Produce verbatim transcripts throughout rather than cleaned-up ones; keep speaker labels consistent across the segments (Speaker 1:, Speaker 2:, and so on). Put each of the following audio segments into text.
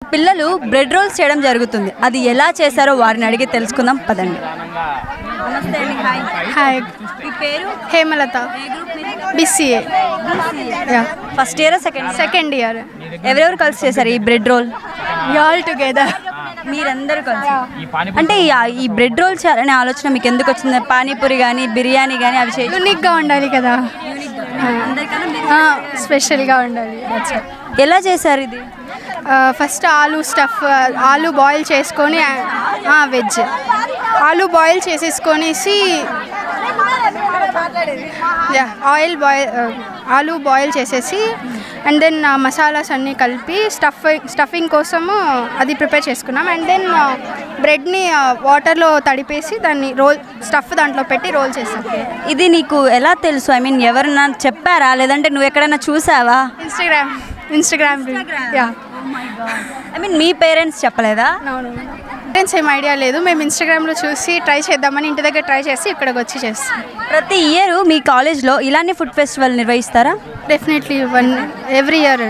Speaker 1: పిల్లలు bread roles చేయడం జరుగుతుంది. అది ఎలా చేశారో వారిని అడిగి తెలుసుకుందాం పదండి. నమస్తే అండి. హాయ్.
Speaker 2: హాయ్,
Speaker 1: మీ పేరు?
Speaker 2: Hemalatha, BCA,
Speaker 1: first year second
Speaker 2: second year.
Speaker 1: ఎవరెవరు కలిసి చేశారు ఈ బ్రెడ్ రోల్?
Speaker 2: All together.
Speaker 1: మీరందరూ కలిసి. అంటే ఈ- ఈ బ్రెడ్ రోల్ చేయాలనే ఆలోచన మీకు ఎందుకు వచ్చింది? పానీపూరి కానీ బిర్యానీ కానీ అవి చేయ
Speaker 2: యూనిక్గా ఉండాలి కదా, స్పెషల్గా ఉండాలి.
Speaker 1: ఎలా చేశారు ఇది?
Speaker 2: ఫస్ట్ ఆలు స్టఫ్, ఆలు బాయిల్ చేసుకొని, వెజ్ ఆలు బాయిల్ చేసేసుకొనేసి ఆయిల్ బాయిల్ ఆలు బాయిల్ చేసేసి అండ్ దెన్ మసాలాస్ అన్నీ కలిపి స్టఫ్ స్టఫింగ్ కోసము అది ప్రిపేర్ చేసుకున్నాం. అండ్ దెన్ బ్రెడ్ని వాటర్లో తడిపేసి దాన్ని రోల్ స్టఫ్ దాంట్లో పెట్టి రోల్ చేసాం.
Speaker 1: ఇది నీకు ఎలా తెలుసు? ఐ మీన్ ఎవరన్నా చెప్పారా లేదంటే నువ్వు ఎక్కడైనా చూసావా?
Speaker 2: Instagram Instagram yeah.
Speaker 1: I mean మీ పేరెంట్స్ చెప్పలేదా?
Speaker 2: అవును, పేరెంట్స్ ఏం ఐడియా లేదు. మేము ఇన్స్టాగ్రామ్లో చూసి ట్రై చేద్దామని ఇంటి దగ్గర ట్రై చేసి ఇక్కడికి వచ్చి చేస్తాం.
Speaker 1: ప్రతి ఇయర్ మీ కాలేజ్లో ఇలానే ఫుడ్ ఫెస్టివల్ నిర్వహిస్తారా?
Speaker 2: Definitely one every year.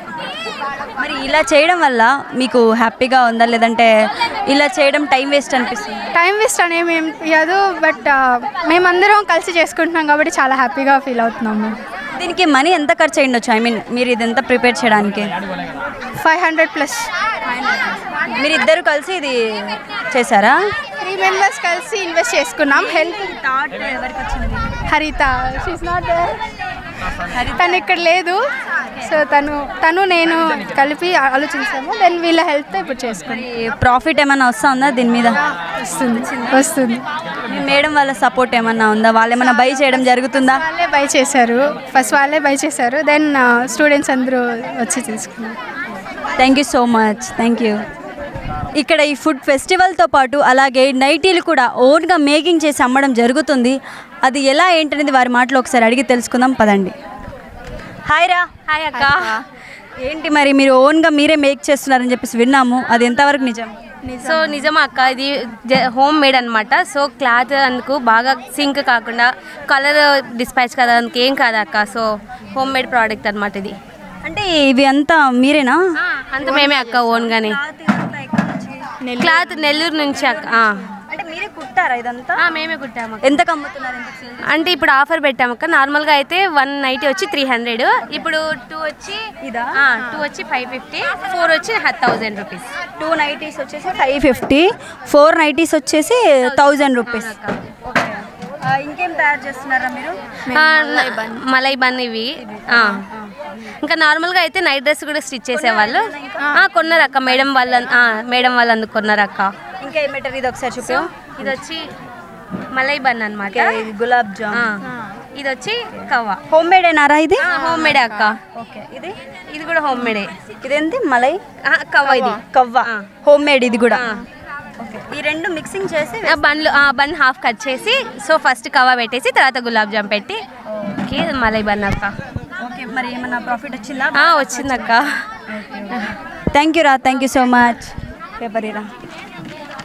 Speaker 1: మరి ఇలా చేయడం వల్ల మీకు హ్యాపీగా ఉందా లేదంటే ఇలా చేయడం టైం వేస్ట్ అనిపిస్తుంది?
Speaker 2: టైం వేస్ట్ అనేవి ఏం కాదు, బట్ మేమందరం కలిసి చేసుకుంటున్నాం కాబట్టి చాలా హ్యాపీగా ఫీల్ అవుతున్నాము.
Speaker 1: దీనికి మనీ ఎంత ఖర్చు అయ్యిండొచ్చు? ఐ మీన్ మీరు ఇదంతా ప్రిపేర్ చేయడానికి
Speaker 2: ఫైవ్ హండ్రెడ్ ప్లస్.
Speaker 1: మీరు ఇద్దరు కలిసి ఇది చేశారా?
Speaker 2: త్రీ మెంబర్స్ కలిసి ఇన్వెస్ట్ చేసుకున్నాం. హెల్ప్
Speaker 1: థాట్ ఎవరికి వచ్చింది?
Speaker 2: హరిత, షీస్ నాట్ దేర్, తను ఇక్కడ లేదు. సో తను తను నేను కలిపి ఆలోచించాము. దెన్ వీళ్ళ హెల్ప్తో ఇప్పుడు చేసుకుని
Speaker 1: ప్రాఫిట్ ఏమైనా వస్తా ఉందా దీని మీద?
Speaker 2: వస్తుంది వస్తుంది.
Speaker 1: మీ మేడం వాళ్ళ సపోర్ట్ ఏమన్నా ఉందా? వాళ్ళు ఏమైనా బై చేయడం జరుగుతుందా?
Speaker 2: వాళ్ళే బై చేశారు, ఫస్ట్ వాళ్ళే బై చేశారు. దెన్ స్టూడెంట్స్ అందరూ వచ్చి తీసుకున్నారు.
Speaker 1: Thank you so much. Thank you. ఇక్కడ ఈ ఫుడ్ ఫెస్టివల్తో పాటు అలాగే నైటీలు కూడా ఓన్గా మేకింగ్ చేసి అమ్మడం జరుగుతుంది. అది ఎలా ఏంటనేది వారి మాటలో ఒకసారి అడిగి తెలుసుకుందాం పదండి. హాయ్ రా.
Speaker 3: హాయ్ అక్క.
Speaker 1: ఏంటి మరి మీరు ఓన్గా మీరే మేక్ చేస్తున్నారని చెప్పేసి విన్నాము, అది ఎంతవరకు నిజం?
Speaker 3: సో నిజమా అక్క, ఇది హోమ్ మేడ్ అనమాట. సో క్లాత్ అందుకు బాగా సింక్ కాకుండా కలర్ డిస్పాచ్ కదా, అందుకు ఏం కాదు అక్క. సో హోమ్ మేడ్ ప్రోడక్ట్ అనమాట ఇది.
Speaker 1: అంటే ఇవి అంతా మీరేనా?
Speaker 3: అంత మేమే అక్క, ఓన్గానే. క్లాత్ నెల్లూరు నుంచి అక్క.
Speaker 1: అంటే మీరే కుట్టారా ఇదంతా?
Speaker 3: మేమే కుట్టాము.
Speaker 1: ఎంతకు అమ్ముతున్నారు?
Speaker 3: అంటే ఇప్పుడు ఆఫర్ పెట్టాము అక్క. నార్మల్గా అయితే వన్ నైటీ వచ్చి త్రీ హండ్రెడ్, ఇప్పుడు టూ వచ్చి
Speaker 1: ఇదా
Speaker 3: టూ వచ్చి ఫైవ్ ఫిఫ్టీ, ఫోర్ వచ్చి థౌజండ్ రూపీస్.
Speaker 1: టూ నైటీస్ వచ్చేసి ఫైవ్ ఫిఫ్టీ, ఫోర్ నైటీస్ వచ్చేసి థౌజండ్ రూపీస్. ఇంకేం తయారు చేస్తున్నారా మీరు?
Speaker 3: మలై బన్ ఇవి. ఇంకా నార్మల్గా అయితే నైట్ డ్రెస్ కూడా స్టిచ్ చేసేవాళ్ళు. కొన్నారు అక్క, మేడం వాళ్ళ మేడం వాళ్ళు అందుకు కొన్నారు అక్క.
Speaker 1: ఇంకా ఏమంటారు? ఇది ఒకసారి చూపి.
Speaker 3: ఇది వచ్చి మలై బన్ అనమాట.
Speaker 1: గులాబ్ జామ్.
Speaker 3: ఇది వచ్చి కవ్వ.
Speaker 1: హోమ్ మేడ్ ఏనారా ఇది?
Speaker 3: హోమ్ మేడే అక్క.
Speaker 1: ఓకే. ఇది
Speaker 3: ఇది కూడా హోమ్ మేడే.
Speaker 1: ఇదేంటి? మలై
Speaker 3: కవ్వ. ఇది
Speaker 1: కవ్వ హోమ్ మేడ్. ఇది కూడా ఈ రెండు మిక్సింగ్ చేసి
Speaker 3: బన్లు బన్ హాఫ్ కట్ చేసి, సో ఫస్ట్ కవ్వ పెట్టేసి తర్వాత గులాబ్ జామ్ పెట్టి మలై బన్ అక్క.
Speaker 1: ఓకే. మరి ఏమన్నా ప్రాఫిట్ వచ్చిందా?
Speaker 3: వచ్చిందక్క.
Speaker 1: థ్యాంక్ యూ రా. Thank you so much. Paper Ira.